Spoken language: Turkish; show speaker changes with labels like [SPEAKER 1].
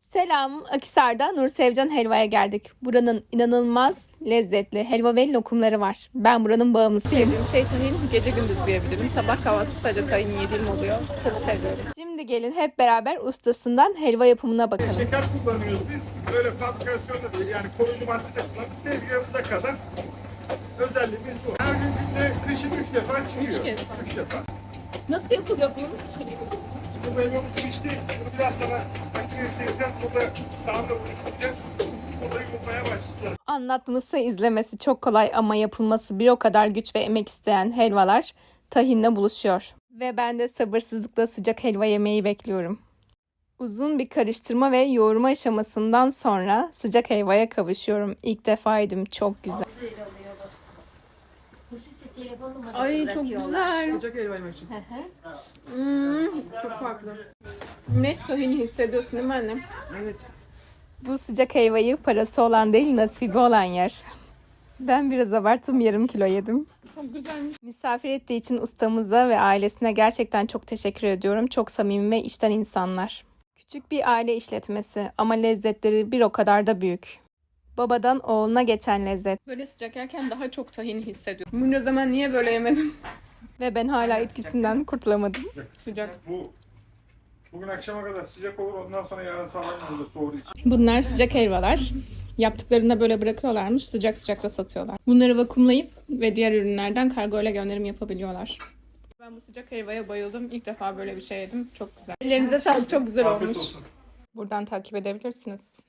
[SPEAKER 1] Selam, Akhisar'da Nur Sevcan Helva'ya geldik. Buranın inanılmaz lezzetli helva ve lokumları var. Ben buranın bağımlısıyım.
[SPEAKER 2] Sevdiğim şey tahin, gece gündüz diyebilirim. Sabah kahvaltı sadece tahin yediğim oluyor. Çok seviyorum.
[SPEAKER 1] Şimdi gelin hep beraber ustasından helva yapımına bakalım.
[SPEAKER 3] Şeker kullanıyoruz biz. Böyle fabrikasyonda değil, yani koruyucu madde de kullanıyoruz. Tezgahımıza kadar özelliğimiz bu. Her gün günde kışın 3 defa çıkıyor. 3 defa.
[SPEAKER 2] Nasıl yapılıyor bu?
[SPEAKER 3] Bu meyvemiz pişti. Bunu biraz sonra makineye sıyıracağız. Burada daha da buluşturacağız. Burada yumurtmaya başlayacağız.
[SPEAKER 1] Anlatması, izlemesi çok kolay ama yapılması bir o kadar güç ve emek isteyen helvalar tahinle buluşuyor. Ve ben de sabırsızlıkla sıcak helva yemeyi bekliyorum. Uzun bir karıştırma ve yoğurma aşamasından sonra sıcak helvaya kavuşuyorum. İlk defa yedim, çok güzel.
[SPEAKER 2] Ay çok güzel.
[SPEAKER 3] Sıcak helva yemek için.
[SPEAKER 2] Çok farklı. Net tahini hissediyorsun değil mi annem?
[SPEAKER 3] Evet.
[SPEAKER 1] Bu sıcak helvayı parası olan değil, nasibi olan yer. Ben biraz abarttım, yarım kilo yedim.
[SPEAKER 2] Çok güzelmiş.
[SPEAKER 1] Misafir ettiği için ustamıza ve ailesine gerçekten çok teşekkür ediyorum. Çok samimi ve içten insanlar. Küçük bir aile işletmesi ama lezzetleri bir o kadar da büyük. Babadan oğluna geçen lezzet
[SPEAKER 2] Böyle sıcak yerken daha çok tahin hissediyorum. Bunca zaman niye böyle yemedim?
[SPEAKER 1] ve ben hala etkisinden kurtulamadım.
[SPEAKER 2] Sıcak.
[SPEAKER 3] Bugün akşama kadar sıcak olur. Ondan sonra yarın sabah burada soğuduğu için.
[SPEAKER 2] Bunlar sıcak helvalar. Yaptıklarında böyle bırakıyorlarmış. Sıcak sıcak da satıyorlar. Bunları vakumlayıp ve diğer ürünlerden kargo ile gönderim yapabiliyorlar. Ben bu sıcak helvaya bayıldım. İlk defa böyle bir şey yedim. Çok güzel. Ellerinize sağlık. Çok güzel
[SPEAKER 3] Afiyet
[SPEAKER 2] olmuş.
[SPEAKER 3] olsun.
[SPEAKER 2] Buradan takip edebilirsiniz.